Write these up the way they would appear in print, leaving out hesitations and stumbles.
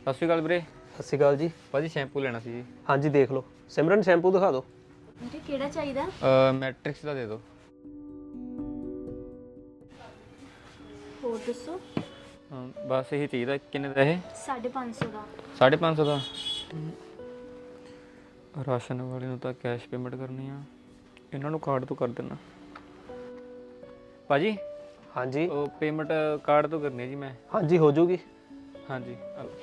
ਸਤਿ ਸ਼੍ਰੀ ਅਕਾਲ ਵੀਰੇ। ਸਤਿ ਸ਼੍ਰੀ ਅਕਾਲ ਜੀ। ਭਾਜੀ ਸ਼ੈਂਪੂ ਲੈਣਾ ਸੀ ਜੀ। ਹਾਂਜੀ ਦੇਖ ਲਓ। ਸਿਮਰਨ ਸ਼ੈਂਪੂ ਦਿਖਾ ਦਿਓ। ਵੀਰੇ ਕਿਹੜਾ ਚਾਹੀਦਾ? ਮੈਟ੍ਰਿਕਸ ਦਾ ਦੇ ਦਿਓ। ਹੋਰ ਦੱਸੋ। ਬਸ ਇਹੀ ਚਾਹੀਦਾ। ਕਿੰਨੇ ਦਾ ਇਹ? 550 ਦਾ। 550 ਦਾ। ਰਾਸ਼ਨ ਵਾਲੇ ਨੂੰ ਤਾਂ ਕੈਸ਼ ਪੇਮੈਂਟ ਕਰਨੀ ਆ, ਇਹਨਾਂ ਨੂੰ ਕਾਰਡ ਤੋਂ ਕਰ ਦੇਣਾ। ਭਾਜੀ ਹਾਂਜੀ ਉਹ ਪੇਮੈਂਟ ਕਾਰਡ ਤੋਂ ਕਰਨੀ ਹੈ ਜੀ ਮੈਂ। ਹਾਂਜੀ ਹੋ ਜੂਗੀ। ਹਾਂਜੀ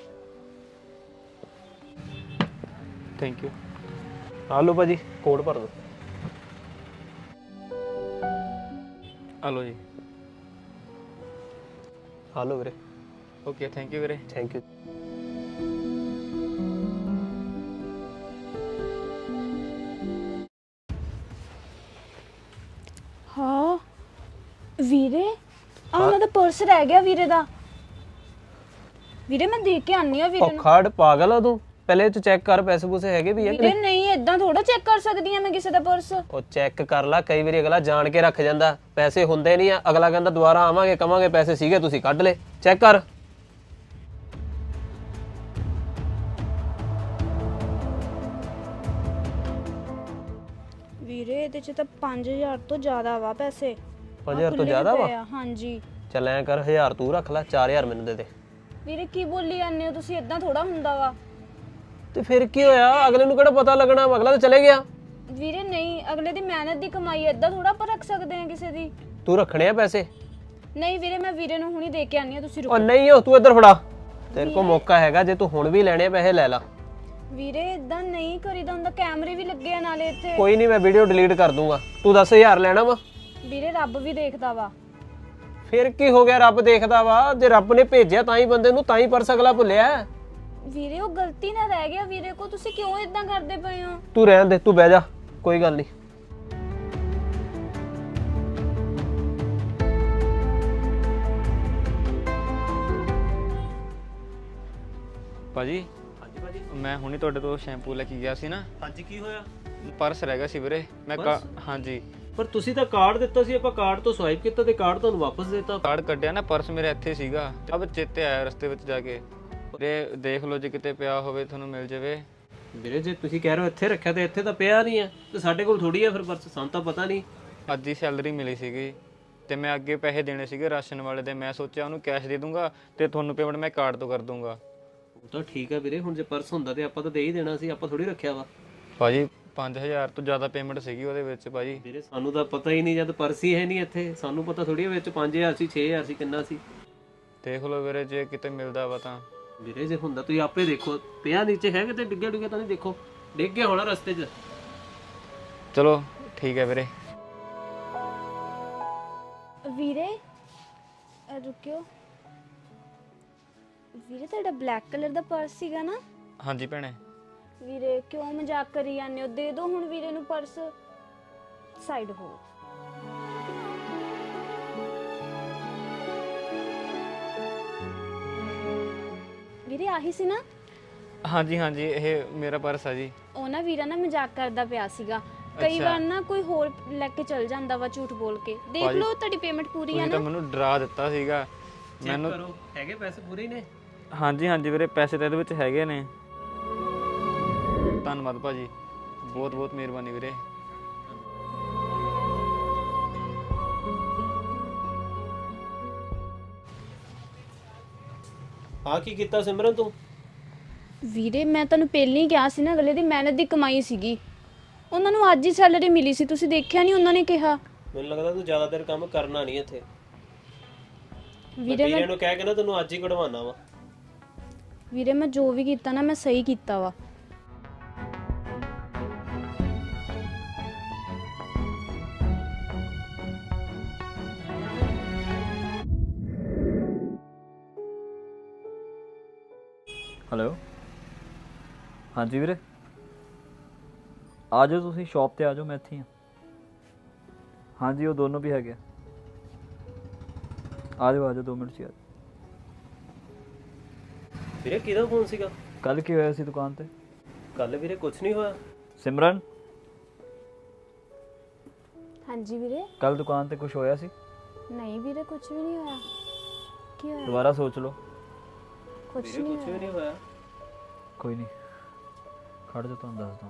ਥੈਂਕ ਯੂ। ਆ ਲਓ ਭਾਜੀ, ਕੋਡ ਭਰ ਦਿਓ। ਆ ਲਓ ਜੀ। ਆ ਲਓ ਵੀਰੇ। ਓਕੇ ਥੈਂਕ ਯੂ ਵੀਰੇ। Thank you. ਹਾਂ ਵੀਰੇ, ਉਹਨਾਂ ਦਾ ਪਰਸ ਰਹਿ ਗਿਆ ਵੀਰੇ ਦਾ। ਵੀਰੇ ਮੈਂ ਦੇਖ ਕੇ ਆਨੀ ਆ ਵੀਰੇ ਨੂੰ। ਖਾੜ ਪਾਗਲ ਆ ਤੂੰ, ਪਹਿਲੇ ਤੂੰ ਚੈੱਕ ਕਰ ਪੈਸੇ ਪੂਸੇ ਹੈਗੇ ਵੀ ਆ ਕਿ ਵੀਰੇ ਨਹੀਂ। ਨਹੀਂ, ਇਦਾਂ ਥੋੜਾ ਚੈੱਕ ਕਰ ਸਕਦੀ ਆ ਮੈਂ ਕਿਸੇ ਦਾ ਪਰਸ। ਉਹ ਚੈੱਕ ਕਰ ਲੈ, ਕਈ ਵਾਰੀ ਅਗਲਾ ਜਾਣ ਕੇ ਰੱਖ ਜਾਂਦਾ, ਪੈਸੇ ਹੁੰਦੇ ਨਹੀਂ ਆ, ਅਗਲਾ ਕਹਿੰਦਾ ਦੁਬਾਰਾ ਆਵਾਂਗੇ ਕਵਾਂਗੇ ਪੈਸੇ ਸੀਗੇ ਤੁਸੀਂ ਕੱਢ ਲਏ। ਚੈੱਕ ਕਰ। ਵੀਰੇ ਇਹਦੇ ਚ ਤਾਂ 5000 ਤੋਂ ਜ਼ਿਆਦਾ ਵਾ ਪੈਸੇ। 5000 ਤੋਂ ਜ਼ਿਆਦਾ ਵਾ? ਹਾਂਜੀ। ਚੱਲ ਐਂ ਕਰ, 1000 ਤੂੰ ਰੱਖ ਲੈ, 4000 ਮੈਨੂੰ ਦੇ ਦੇ। ਵੀਰੇ ਕੀ ਬੋਲੀ ਜਾਂਦੇ ਹੋ ਤੁਸੀਂ, ਇਦਾਂ ਥੋੜਾ ਹੁੰਦਾ ਵਾ। ਤੇ ਫਿਰ ਕੀ ਹੋਇਆ, ਅਗਲੇ ਨੂੰ ਕਿਹੜਾ ਪਤਾ ਲੱਗਣਾ, ਅਗਲਾ ਤਾਂ ਚਲੇ ਗਿਆ। ਵੀਰੇ ਨਹੀਂ, ਅਗਲੇ ਦੀ ਮਿਹਨਤ ਦੀ ਕਮਾਈ ਇਦਾਂ ਥੋੜਾ ਆਪਾਂ ਰੱਖ ਸਕਦੇ ਆ ਕਿਸੇ ਦੀ। ਤੂੰ ਰੱਖਣੇ ਆ ਪੈਸੇ? ਨਹੀਂ ਵੀਰੇ, ਮੈਂ ਵੀਰੇ ਨੂੰ ਹੁਣੀ ਦੇ ਕੇ ਆਨੀ ਆ, ਤੁਸੀਂ ਉਹ ਰੁਕੋ। ਨਹੀਂ, ਉਹ ਤੂੰ ਇੱਧਰ ਫੜਾ, ਤੇਰੇ ਕੋਲ ਮੌਕਾ ਹੈਗਾ, ਜੇ ਤੂੰ ਹੁਣ ਵੀ ਲੈਣੇ ਪੈਸੇ ਲੈ ਲਾ। ਵੀਰੇ ਇਦਾਂ ਨਹੀਂ ਕਰੀਦਾ ਹੁੰਦਾ, ਕੈਮਰੇ ਵੀ ਲੱਗੇ ਆ ਨਾਲੇ ਇੱਥੇ। ਕੋਈ ਨਹੀਂ, ਮੈਂ ਵੀਡੀਓ ਡਿਲੀਟ ਕਰ ਦੂੰਗਾ। ਤੂੰ 10000 ਲੈਣਾ ਵਾ? ਵੀਰੇ ਰੱਬ ਵੀ ਦੇਖਦਾ ਵਾ। ਫਿਰ ਕੀ ਹੋ ਗਿਆ, ਰੱਬ ਦੇਖਦਾ ਵਾ? ਜੇ ਰੱਬ ਨੇ ਭੇਜਿਆ ਤਾਂ ਹੀ ਬੰਦੇ ਨੂੰ, ਤਾਂ ਹੀ ਪਰਸ ਅਗਲਾ ਭੁੱਲਿਆ। ਵੀਰੇ ਉਹ ਗਲਤੀ ਨਾਲ ਰਹਿ ਗਿਆ ਵੀਰੇ ਕੋ, ਤੁਸੀਂ ਕਿਉਂ ਇਦਾਂ ਕਰਦੇ ਪਏ ਹੋ? ਤੂੰ ਰਹਿਣ ਦੇ, ਤੂੰ ਬਹਿ ਜਾ, ਕੋਈ ਗੱਲ ਨਹੀਂ। ਭਾਜੀ ਹਾਂਜੀ ਭਾਜੀ। ਮੈਂ ਹੁਣੀ ਤੁਹਾਡੇ ਤੋਂ ਸ਼ੈਂਪੂ ਲੈ ਕੇ ਗਿਆ ਸੀ ਨਾ। ਹਾਂਜੀ ਕੀ ਹੋਇਆ? ਪਰਸ ਰਹਿ ਗਿਆ ਸੀ ਵੀਰੇ। ਮੈਂ ਹਾਂਜੀ ਪਰ ਤੁਸੀਂ ਤਾਂ ਕਾਰਡ ਦਿੱਤਾ ਸੀ, ਆਪਾਂ ਕਾਰਡ ਤੋਂ ਸਵਾਈਪ ਕੀਤਾ ਤੇ ਕਾਰਡ ਤੁਹਾਨੂੰ ਵਾਪਸ ਦੇਤਾ। ਕਾਰਡ ਕੱਢਿਆ ਨਾ, ਪਰਸ ਮੇਰੇ ਇੱਥੇ ਸੀਗਾ। ਅਬ ਚੇਤੇ ਆਇਆ ਰਸਤੇ ਵਿੱਚ ਜਾ ਕੇ। ਵੀਰੇ ਦੇਖ ਲਓ ਜੇ ਕਿਤੇ ਪਿਆ ਹੋਵੇ ਤੁਹਾਨੂੰ ਮਿਲ ਜਾਵੇ। ਵੀਰੇ ਜੇ ਤੁਸੀਂ ਕਹਿ ਰਹੇ ਹੋ ਇੱਥੇ ਰੱਖਿਆ ਤੇ ਇੱਥੇ ਤਾਂ ਪਿਆ ਨਹੀਂ ਹੈ, ਤੇ ਸਾਡੇ ਕੋਲ ਥੋੜੀ ਹੈ ਫਿਰ ਪਰਸ, ਸਾਨੂੰ ਤਾਂ ਪਤਾ ਨਹੀਂ। ਅੱਜ ਹੀ ਸੈਲਰੀ ਮਿਲੀ ਸੀਗੀ ਤੇ ਮੈਂ ਅੱਗੇ ਪੈਸੇ ਦੇਣੇ ਸੀਗੇ ਰਾਸ਼ਨ ਵਾਲੇ ਦੇ। ਮੈਂ ਸੋਚਿਆ ਉਹਨੂੰ ਕੈਸ਼ ਦੇ ਦੂੰਗਾ ਤੇ ਤੁਹਾਨੂੰ ਪੇਮੈਂਟ ਮੈਂ ਕਾਰਡ ਤੋਂ ਕਰ ਦੂੰਗਾ। ਉਹ ਤਾਂ ਠੀਕ ਹੈ ਵੀਰੇ, ਹੁਣ ਜੇ ਪਰਸ ਹੁੰਦਾ ਤੇ ਆਪਾਂ ਤਾਂ ਦੇ ਹੀ ਦੇਣਾ ਸੀ, ਆਪਾਂ ਥੋੜੀ ਰੱਖਿਆ ਵਾ। ਭਾਜੀ 5000 ਤੋਂ ਜ਼ਿਆਦਾ ਪੇਮੈਂਟ ਸੀਗੀ ਉਹਦੇ ਵਿੱਚ ਭਾਜੀ। ਵੀਰੇ ਸਾਨੂੰ ਤਾਂ ਪਤਾ ਹੀ ਨਹੀਂ, ਜਦ ਪਰਸ ਹੀ ਹੈ ਨਹੀਂ ਇੱਥੇ, ਸਾਨੂੰ ਪਤਾ ਥੋੜੀ ਹੈ ਵਿੱਚ 5000 ਸੀ 6000 ਸੀ ਕਿੰਨਾ ਸੀ। ਦੇਖ ਲਓ ਵੀਰੇ ਜੇ ਕਿਤੇ ਮਿਲਦਾ ਵਾ ਤਾਂ। ਵੀਰੇ ਜੇ ਹੁੰਦਾ ਤੁਸੀਂ ਆਪੇ ਦੇਖੋ, ਪਿਆ ਨੀਚੇ ਹੈ ਕਿਤੇ ਡਿੱਗਿਆ ਡੁੱਗਿਆ ਤਾਂ ਨਹੀਂ? ਦੇਖੋ ਡਿੱਗ ਗਿਆ ਹੋਣਾ ਰਸਤੇ 'ਚ। ਚਲੋ ਠੀਕ ਹੈ ਵੀਰੇ। ਵੀਰੇ ਰੁਕਿਓ। ਵੀਰੇ ਤੁਹਾਡਾ ਬਲੈਕ ਕਲਰ ਦਾ ਪਰਸ ਸੀਗਾ ਨਾ? ਹਾਂਜੀ ਭੈਣੇ। ਵੀਰੇ ਕਿਉਂ ਮਜ਼ਾਕ ਕਰੀ ਜਾਂਦੇ ਹੋ? ਦੇ ਦਿਓ ਹੁਣ ਵੀਰੇ ਨੂੰ ਪਰਸ। ਸਾਈਡ ਹੋ। ਵੀਰੇ ਆਹੀ ਸੀ ਨਾ? ਹਾਂਜੀ ਹਾਂਜੀ ਇਹ ਮੇਰਾ ਪਰਸ ਆ ਜੀ। ਉਹ ਨਾ ਵੀਰਾ ਨਾ ਮਜ਼ਾਕ ਕਰਦਾ ਪਿਆ ਸੀਗਾ। ਕਈ ਵਾਰ ਨਾ ਕੋਈ ਹੋਰ ਲੈ ਕੇ ਚਲ ਜਾਂਦਾ ਵਾ ਝੂਠ ਬੋਲ ਕੇ। ਦੇਖ ਲਓ ਤੁਹਾਡੀ ਪੇਮੈਂਟ ਪੂਰੀ ਆ ਤੁਸੀਂ ਨਾ? ਤਾਂ ਮੈਨੂੰ ਡਰਾ ਦਿੱਤਾ ਸੀਗਾ। ਮੈਨੂੰ ਕਰੋ, ਹੈਗੇ ਪੈਸੇ ਪੂਰੇ ਨੇ? ਹਾਂਜੀ ਹਾਂਜੀ ਵੀਰੇ ਪੈਸੇ ਤਾਂ ਇਹਦੇ ਵਿੱਚ ਹੈਗੇ ਨੇ। ਧੰਨਵਾਦ ਭਾਜੀ, ਬਹੁਤ ਬਹੁਤ ਮਿਹਰਬਾਨੀ ਵੀਰੇ। ਆ ਕੀ ਕੀਤਾ ਸਿਮਰਨ ਤੂੰ? ਵੀਰੇ ਮੈਂ ਤੁਹਾਨੂੰ ਪਹਿਲਾਂ ਹੀ ਕਿਹਾ ਸੀ ਨਾ, ਅਗਲੇ ਦੀ ਮਿਹਨਤ ਦੀ ਕਮਾਈ ਸੀਗੀ। ਉਹਨਾਂ ਨੂੰ ਅੱਜ ਹੀ ਸੈਲਰੀ ਮਿਲੀ ਸੀ, ਤੁਸੀਂ ਦੇਖਿਆ ਨਹੀਂ ਉਹਨਾਂ ਨੇ ਕਿਹਾ? ਮੈਨੂੰ ਲੱਗਦਾ ਤੂੰ ਜ਼ਿਆਦਾ ਦੇਰ ਕੰਮ ਕਰਨਾ ਨਹੀਂ ਇੱਥੇ। ਵੀਰੇ ਵੀਰੇ ਨੂੰ ਕਹਿ ਕੇ ਨਾ ਤੈਨੂੰ ਅੱਜ ਹੀ ਕਢਵਾਉਣਾ ਵਾ। ਵੀਰੇ ਮੈਂ ਜੋ ਵੀ ਕੀਤਾ ਨਾ, ਮੈਂ ਸਹੀ ਕੀਤਾ ਵਾ। ਹੈਲੋ ਹਾਂਜੀ ਵੀਰੇ, ਆ ਜਾਓ ਤੁਸੀਂ ਸ਼ਾਪ ਤੇ ਆ ਜਾਓ, ਮੈਂ ਇੱਥੇ ਹਾਂ। ਹਾਂਜੀ ਉਹ ਦੋਨੋਂ ਵੀ ਹੈਗੇ। ਆ ਜਾਓ 2 ਮਿੰਟ 'ਚ ਆ ਜਾਓ। ਵੀਰੇ ਕਿਹਦਾ ਫੋਨ ਸੀਗਾ? ਕੱਲ ਕੀ ਹੋਇਆ ਸੀ ਦੁਕਾਨ ਤੇ? ਕੱਲ ਵੀਰੇ ਕੁਝ ਨਹੀਂ ਹੋਇਆ। ਸਿਮਰਨ ਹਾਂਜੀ ਵੀਰੇ। ਕੱਲ ਦੁਕਾਨ ਤੇ ਕੁਝ ਹੋਇਆ ਸੀ? ਨਹੀਂ ਵੀਰੇ ਕੁਝ ਵੀ ਨਹੀਂ ਹੋਇਆ। ਕੀ ਹੋਇਆ? ਦੁਬਾਰਾ ਸੋਚ ਲਓ। ਕੁਝ ਵੀਰੇ ਨਹੀਂ ਕੁਝ ਵੀ ਹੋਇਆ। ਨਹੀਂ ਹੋਇਆ। ਕੋਈ ਨਹੀਂ, ਖੜ ਜਾ ਤੁਹਾਨੂੰ ਦੱਸਦਾ।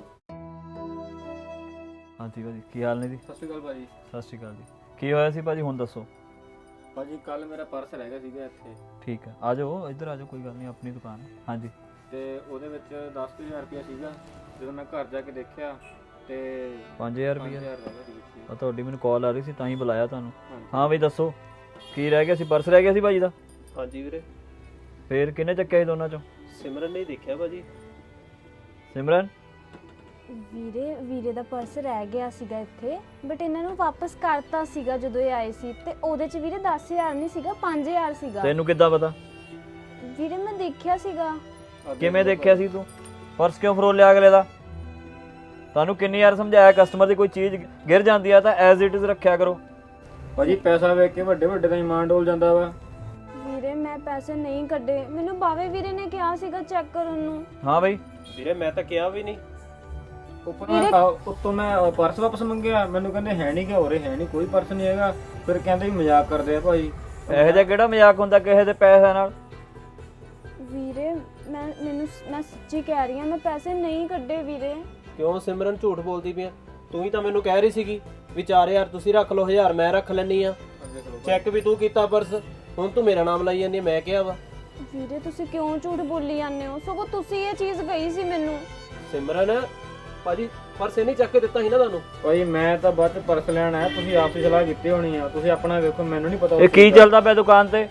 ਹਾਂਜੀ ਭਾਜੀ, ਕੀ ਹਾਲ ਨੇ ਜੀ? ਸਤਿ ਸ਼੍ਰੀ ਅਕਾਲ ਭਾਜੀ। ਸਤਿ ਸ਼੍ਰੀ ਅਕਾਲ ਜੀ। ਕੀ ਹੋਇਆ ਸੀ ਭਾਜੀ, ਹੁਣ ਦੱਸੋ। ਭਾਜੀ ਕੱਲ ਮੇਰਾ ਪਰਸ ਰਹਿ ਗਿਆ ਸੀਗਾ ਇੱਥੇ, ਠੀਕ ਹੈ, ਆ ਜਾਓ ਇੱਧਰ ਆ ਜਾਓ, ਕੋਈ ਗੱਲ ਨਹੀਂ, ਆਪਣੀ ਦੁਕਾਨ ਹੈ। ਹਾਂਜੀ ਤੇ ਉਹਦੇ ਵਿੱਚ 10,000 ਰੁਪਇਆ ਸੀਗਾ। ਜਦੋਂ ਮੈਂ ਘਰ ਜਾ ਕੇ ਦੇਖਿਆ ਤੇ 5000 ਰੁਪਏ। 5,000 ਰਹਿ ਗਿਆ ਸੀ ਵਿੱਚ। ਆ ਤੁਹਾਡੀ ਮੈਨੂੰ ਕਾਲ ਆ ਰਹੀ ਸੀ ਤਾਂ ਹੀ ਬੁਲਾਇਆ ਤੁਹਾਨੂੰ। ਹਾਂਜੀ। ਹਾਂ ਬਈ ਦੱਸੋ, ਕੀ ਰਹਿ ਗਿਆ ਸੀ? ਪਰਸ ਰਹਿ ਗਿਆ ਸੀ ਭਾਜੀ ਦਾ? ਹਾਂਜੀ ਵੀਰੇ, ਫੇਰ ਕਿਹਨੇ ਚੱਕਿਆ ਸੀ ਦੋਨਾਂ ਚੋਂ? ਸਿਮਰਨ ਨੇ ਦੇਖਿਆ ਭਾਜੀ। ਸਿਮਰਨ? ਵੀਰੇ ਦਾ ਪਰਸ ਰਹਿ ਗਿਆ ਸੀਗਾ ਇੱਥੇ, ਬਟ ਇਹਨਾਂ ਨੂੰ ਵਾਪਸ ਕਰਤਾ ਸੀਗਾ ਜਦੋਂ ਇਹ ਆਏ ਸੀ। ਤੇ ਉਹਦੇ ਚ ਵੀਰੇ 10,000 ਨਹੀਂ ਸੀਗਾ, 5,000 ਸੀਗਾ। ਤੈਨੂੰ ਕਿੱਦਾਂ ਪਤਾ? ਵੀਰੇ ਮੈਂ ਦੇਖਿਆ ਸੀਗਾ। ਕਿਵੇਂ ਦੇਖਿਆ ਸੀ ਤੂੰ? ਪਰਸ ਕਿਉਂ ਫਰੋਲ ਲਿਆ ਅਗਲੇ ਦਾ? ਤੁਹਾਨੂੰ ਕਿੰਨੀ ਵਾਰ ਸਮਝਾਇਆ, ਕਸਟਮਰ ਦੀ ਕੋਈ ਚੀਜ਼ ਗਿਰ ਜਾਂਦੀ ਆ ਤਾਂ ਐਜ਼ ਇਟ ਇਜ਼ ਰੱਖਿਆ ਕਰੋ। ਭਾਜੀ ਪੈਸਾ ਵੇਖ ਕੇ ਵੱਡੇ ਵੱਡੇ ਦਾ ਇਮਾਨ ਡੋਲ ਜਾਂਦਾ ਵਾ। ਵੀਰੇ ਮੈਂ ਪੈਸੇ ਨਹੀਂ ਕੱਢੇ, ਮੈਨੂੰ ਬਾਵੇ ਵੀਰੇ ਨੇ ਕਿਹਾ ਸੀਗਾ ਚੈੱਕ ਕਰਨ ਨੂੰ। ਹਾਂ ਬਈ, ਵੀਰੇ ਮੈਂ ਤਾਂ ਕਿਹਾ ਵੀ ਨਹੀਂ। ਉੱਤੋਂ ਮੈਂ ਪਰਸ ਵਾਪਸ ਮੰਗਿਆ, ਮੈਨੂੰ ਕਹਿੰਦੇ ਹੈ ਨਹੀਂ, ਕਿ ਹੋ ਰਿਹਾ ਹੈ ਨਹੀਂ, ਕੋਈ ਪਰਸ ਨਹੀਂ ਹੈਗਾ। ਫਿਰ ਕਹਿੰਦੇ ਵੀ ਮਜ਼ਾਕ ਕਰਦੇ ਆ ਭਾਈ। ਇਹੋ ਜਿਹਾ ਕਿਹੜਾ ਮਜ਼ਾਕ ਹੁੰਦਾ ਕਿਸੇ ਦੇ ਪੈਸਿਆਂ ਨਾਲ? ਵੀਰੇ ਮੈਂ ਸੱਚੀ ਕਹਿ ਰਹੀ ਹਾਂ, ਮੈਂ ਪੈਸੇ ਨਹੀਂ ਕੱਢੇ ਵੀਰੇ। ਕਿਉਂ ਸਿਮਰਨ ਝੂਠ ਬੋਲਦੀ ਪਈ ਆ? ਤੂੰ ਹੀ ਤਾਂ ਮੈਨੂੰ ਕਹਿ ਰਹੀ ਸੀਗੀ ਵੀ 4,000 ਤੁਸੀਂ ਰੱਖ ਲਓ, 1,000 ਮੈਂ ਰੱਖ ਲੈਣੀ ਆ। ਚੈੱਕ ਵੀ ਤੂੰ ਕੀਤਾ ਪਰਸ, ਹੁਣ ਤੂੰ ਮੇਰਾ ਨਾਮ ਲਾਈ ਜਾਂਦੀ। ਮੈਂ ਕਿਹਾ ਵਾ ਵੀਰੇ ਤੁਸੀਂ ਕਿਉਂ ਝੂਠ ਬੋਲੀ ਜਾਂਦੇ ਹੋ? ਸਗੋਂ ਤੁਸੀਂ ਇਹ ਚੀਜ਼ ਗਈ ਸੀ ਮੈਨੂੰ। ਸਿਮਰਨ ਭਾਜੀ ਪਰਸ ਇਹ ਨਹੀਂ ਚੱਕ ਕੇ ਦਿੱਤਾ ਸੀ ਨਾ ਤੁਹਾਨੂੰ? ਭਾਈ ਮੈਂ ਤਾਂ ਬਾਅਦ ਚ ਪਰਸ ਲੈਣ ਆਇਆ, ਤੁਸੀਂ ਆਪ ਹੀ ਸਲਾਹ ਕੀਤੀ ਹੋਣੀ ਆ। ਤੁਸੀਂ ਆਪਣਾ ਵੇਖੋ, ਮੈਨੂੰ ਨਹੀਂ ਪਤਾ ਇਹ ਕੀ ਚੱਲਦਾ ਪਿਆ ਦੁਕਾਨ ਤੇ?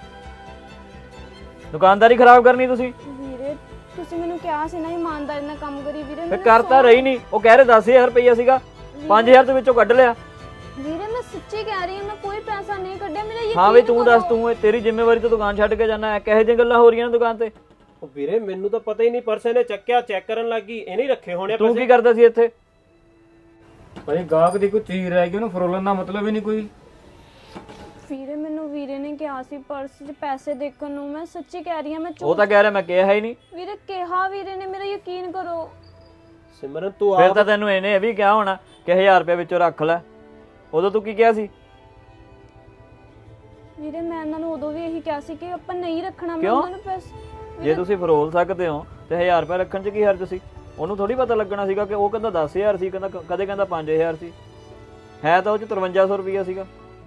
ਦੁਕਾਨਦਾਰੀ ਖਰਾਬ ਕਰਨੀ ਤੁਸੀਂ? ਵੀਰੇ ਤੁਸੀਂ ਮੈਨੂੰ ਕਿਹਾ ਸੀ ਨਾ ਇਮਾਨਦਾਰੀ ਨਾਲ ਕੰਮ ਕਰੀ ਵੀਰੇ। ਫੇ ਮੈਨੂੰ ਕਰਤਾ ਰਹੀ ਨਹੀਂ। ਉਹ ਕਹਿ ਰਹੇ 10,000 ਰੁਪਈਆ ਸੀਗਾ, 5,000 ਦੇ ਵਿੱਚੋਂ ਕੱਢ ਲਿਆ। ਵੀਰੇ ਮੈਂ ਸੱਚੀ ਕਹਿ ਰਹੀ ਹਾਂ, ਮੈਂ ਕੋਈ ਪੈਸਾ ਨਹੀਂ ਕੱਢਿਆ। ਮੇਰਾ ਯਕੀਨ ਹਾਂ ਵੀ ਤੂੰ ਦੱਸ, ਕਰੋ। ਤੂੰ ਤੇਰੀ ਜ਼ਿੰਮੇਵਾਰੀ ਤੋਂ ਦੁਕਾਨ ਛੱਡ ਕੇ ਜਾਣਾ ਹੈ? ਕਿਹੋ ਜਿਹੀਆਂ ਗੱਲਾਂ ਹੋ ਰਹੀਆਂ ਨੇ ਦੁਕਾਨ ਤੇ? ਉਹ ਵੀਰੇ ਮੈਨੂੰ ਤਾਂ ਪਤਾ ਹੀ ਨਹੀਂ, ਪਰਸ ਇਹਨੇ ਚੱਕਿਆ, ਚੈੱਕ ਕਰਨ ਲੱਗੀ, ਇਹਨੇ ਹੀ ਰੱਖੇ ਹੋਣੇ ਤੂੰ ਕੀ ਕਰਦਾ ਸੀ ਇੱਥੇ? ਭਾਈ ਗਾਹਕ ਦੀ ਕੋਈ ਚੀਜ਼ ਰਹਿ ਗਈ, ਉਹਨੂੰ ਫਰੋਲਣ ਦਾ ਮਤਲਬ ਹੀ ਨਹੀਂ ਕੋਈ। ਵੀਰੇ ਮੈਨੂੰ ਵੀਰੇ ਨੇ ਕਿਹਾ ਸੀ ਪਰਸ 'ਚ ਪੈਸੇ ਦੇਖਣ ਨੂੰ। ਮੈਂ ਸੱਚੀ ਕਹਿ ਰਹੀ ਹਾਂ, ਮੈਂ ਉਹ ਤਾਂ ਕਹਿ ਰਿਹਾ ਮੈਂ ਕਿਹਾ ਹੀ ਨਹੀਂ। ਵੀਰੇ ਕਿਹਾ ਵੀਰੇ ਨੇ, ਮੇਰਾ ਯਕੀਨ ਕਰੋ। ਸਿਮਰਨ ਤੂੰ ਫਿਰ ਤਾਂ ਤੈਨੂੰ ਇਹਨੇ ਇਹ ਵੀ ਕਿਹਾ ਹੋਣਾ ਕਿ 1,000 ਰੁਪਏ ਵਿੱਚੋਂ ਰੱਖ ਲੈ। ਉਦੋਂ ਤੂੰ ਕੀ ਕਿਹਾ ਸੀ? ਵੀਰੇ ਮੈਂ ਇਹਨਾਂ ਨੂੰ ਉਦੋਂ ਵੀ ਇਹੀ ਕਿਹਾ ਸੀ ਕਿ ਆਪਾਂ ਨਹੀਂ ਰੱਖਣਾ। ਮੈਂ ਕਿਉਂ? ਉਹਨਾਂ ਨੂੰ ਪੈਸੇ ਜੇ ਤੁਸੀਂ ਫਰੋਲ ਸਕਦੇ ਹੋ ਤੇ 1,000 ਰੁਪਏ ਰੱਖਣ 'ਚ ਕੀ ਹਰਜ ਸੀ? ਉਹਨੂੰ ਥੋੜੀ ਪਤਾ ਲੱਗਣਾ ਸੀਗਾ ਕਿ ਉਹ ਕਹਿੰਦਾ 10,000 ਸੀ, ਕਦੇ ਕਹਿੰਦਾ 5,000 ਸੀ। ਹੈ ਤਾਂ ਉਹ 'ਚ 5300 ਰੁਪਈਆ ਸੀਗਾ।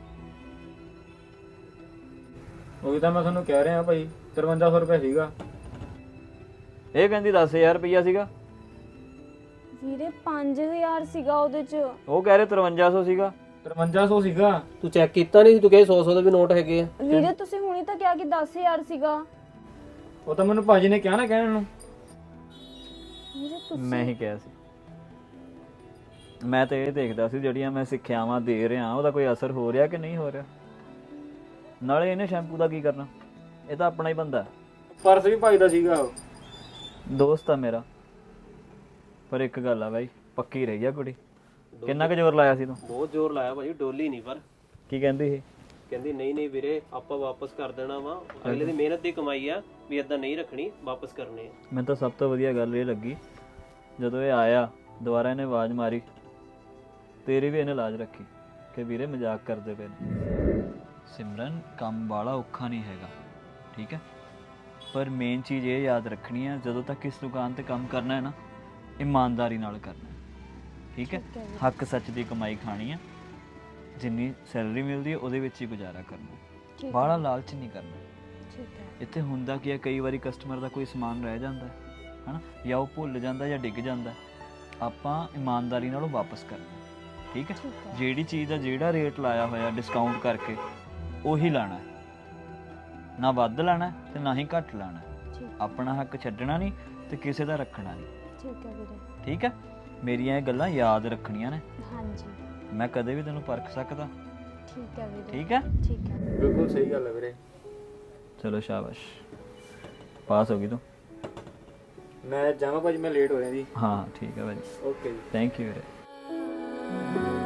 ਉਹੀ ਤਾਂ ਮੈਂ ਤੁਹਾਨੂੰ ਕਹਿ ਰਿਹਾ ਭਾਈ, 5300 ਰੁਪਏ ਸੀਗਾ। ਇਹ ਕਹਿੰਦੀ 10,000 ਰੁਪਈਆ ਸੀਗਾ। ਵੀਰੇ 5,000 ਸੀਗਾ ਉਹਦੇ 'ਚ। ਉਹ ਕਹਿ ਰਹੇ 5300 ਸੀਗਾ। 5300 ਸੀਗਾ। ਤੂੰ ਚੈੱਕ ਕੀਤਾ ਨਹੀਂ ਸੀ? ਤੂੰ ਕਹੇ 100 ਦੇ ਵੀ ਨੋਟ ਹੈਗੇ ਆ। ਵੀਰੇ ਤੁਸੀਂ ਹੁਣੀ ਤਾਂ ਕਿਹਾ ਕਿ 10,000 ਸੀਗਾ। ਉਹ ਤਾਂ ਮੈਨੂੰ ਭਾਜੀ ਨੇ ਕਿਹਾ ਨਾ ਕਹਿਣ ਨੂੰ। ਵੀਰੇ ਤੁਸੀਂ ਮੈਂ ਹੀ ਕਿਹਾ ਸੀ। ਮੈਂ ਤਾਂ ਇਹ ਦੇਖਦਾ ਸੀ ਜਿਹੜੀਆਂ ਮੈਂ ਸਿੱਖਿਆਵਾਂ ਦੇ ਰਿਹਾ ਉਹਦਾ ਕੋਈ ਅਸਰ ਹੋ ਰਿਹਾ ਕਿ ਨਹੀਂ ਹੋ ਰਿਹਾ। ਨਾਲੇ ਇਹਨੇ ਸ਼ੈਂਪੂ ਦਾ ਕੀ ਕਰਨਾ? ਇਹ ਤਾਂ ਆਪਣਾ ਹੀ ਬੰਦਾ। ਪਰਸ ਵੀ ਭਾਈ ਦਾ ਸੀਗਾ। ਉਹ ਦੋਸਤ ਆ ਮੇਰਾ। ਪਰ ਇੱਕ ਗੱਲ ਆ ਬਾਈ, ਪੱਕੀ ਰਹੀ ਆ ਕੁੜੀ। ਕਿੰਨਾ ਕੁ ਜ਼ੋਰ ਲਾਇਆ ਸੀ ਤੂੰ? ਬਹੁਤ ਜ਼ੋਰ ਲਾਇਆ ਭਾਜੀ, ਡੋਲੀ ਨਹੀਂ। ਪਰ ਕੀ ਕਹਿੰਦੀ ਸੀ? ਕਹਿੰਦੀ ਨਹੀਂ ਵੀਰੇ ਆਪਾਂ ਵਾਪਸ ਕਰ ਦੇਣਾ ਵਾ, ਅਗਲੇ ਦੀ ਮਿਹਨਤ ਦੀ ਕਮਾਈ ਆ, ਵੀ ਇਦਾਂ ਨਹੀਂ ਰੱਖਣੀ, ਵਾਪਸ ਕਰਨੇ ਆ। ਮੈਨੂੰ ਤਾਂ ਸਭ ਤੋਂ ਵਧੀਆ ਗੱਲ ਇਹ ਲੱਗੀ ਜਦੋਂ ਇਹ ਆਇਆ ਦੁਬਾਰਾ ਇਹਨੇ ਆਵਾਜ਼ ਮਾਰੀ, ਤੇਰੀ ਵੀ ਇਹਨੇ ਲਾਜ ਰੱਖੀ ਕਿ ਵੀਰੇ ਮਜ਼ਾਕ ਕਰਦੇ ਪਏ ਨੇ। ਸਿਮਰਨ ਕੰਮ ਵਾਲਾ ਔਖਾ ਨਹੀਂ ਹੈਗਾ, ਠੀਕ ਹੈ, ਪਰ ਮੇਨ ਚੀਜ਼ ਇਹ ਯਾਦ ਰੱਖਣੀ ਹੈ ਜਦੋਂ ਤੱਕ ਇਸ ਦੁਕਾਨ ਤੇ ਕੰਮ ਕਰਨਾ ਹੈ ਨਾ, ਇਮਾਨਦਾਰੀ ਨਾਲ ਕਰਨਾ ਹੈ, ਠੀਕ ਹੈ। ਹੱਕ ਸੱਚ ਦੀ ਕਮਾਈ ਖਾਣੀ ਹੈ, ਜਿੰਨੀ ਸੈਲਰੀ ਮਿਲਦੀ ਹੈ ਉਹਦੇ ਵਿੱਚ ਹੀ ਗੁਜ਼ਾਰਾ ਕਰਨਾ, ਬਾਹਲਾ ਲਾਲਚ ਨਹੀਂ ਕਰਨਾ। ਠੀਕ ਹੈ। ਇੱਥੇ ਹੁੰਦਾ ਕੀ ਹੈ, ਕਈ ਵਾਰੀ ਕਸਟਮਰ ਦਾ ਕੋਈ ਸਮਾਨ ਰਹਿ ਜਾਂਦਾ ਹੈ ਹਨਾ, ਜਾਂ ਉਹ ਭੁੱਲ ਜਾਂਦਾ ਜਾਂ ਡਿੱਗ ਜਾਂਦਾ, ਆਪਾਂ ਇਮਾਨਦਾਰੀ ਨਾਲ ਉਹ ਵਾਪਸ ਕਰਨਾ, ਠੀਕ ਹੈ। ਜਿਹੜੀ ਚੀਜ਼ ਦਾ ਜਿਹੜਾ ਰੇਟ ਲਾਇਆ ਹੋਇਆ ਡਿਸਕਾਊਂਟ ਕਰਕੇ ਉਹੀ ਲਾਣਾ ਹੈ, ਨਾ ਵੱਧ ਲਾਣਾ ਤੇ ਨਾ ਹੀ ਘੱਟ ਲਾਣਾ। ਆਪਣਾ ਹੱਕ ਛੱਡਣਾ ਨਹੀਂ ਤੇ ਕਿਸੇ ਦਾ ਰੱਖਣਾ ਨਹੀਂ। ਠੀਕ ਹੈ ਵੀਰੇ। ਠੀਕ ਹੈ, ਮੇਰੀਆਂ ਇਹ ਗੱਲਾਂ ਯਾਦ ਰੱਖਣੀਆਂ ਨੇ। ਹਾਂਜੀ ਮੈਂ ਕਦੇ ਵੀ ਤੈਨੂੰ ਪਰਖ ਸਕਦਾ। ਠੀਕ ਹੈ ਵੀਰੇ। ਠੀਕ ਹੈ, ਠੀਕ ਹੈ। ਬਿਲਕੁਲ ਸਹੀ ਗੱਲ ਹੈ ਵੀਰੇ। ਚਲੋ ਸ਼ਾਬਾਸ਼, ਪਾਸ ਹੋ ਗਈ ਤੂੰ। ਮੈਂ ਜਾਵਾਂ ਭਾਜੀ, ਮੈਂ ਲੇਟ ਹੋ ਰਿਹਾ ਜੀ। ਹਾਂ ਠੀਕ ਹੈ ਭਾਜੀ, ਓਕੇ ਜੀ, ਥੈਂਕ ਯੂ ਵੀਰੇ।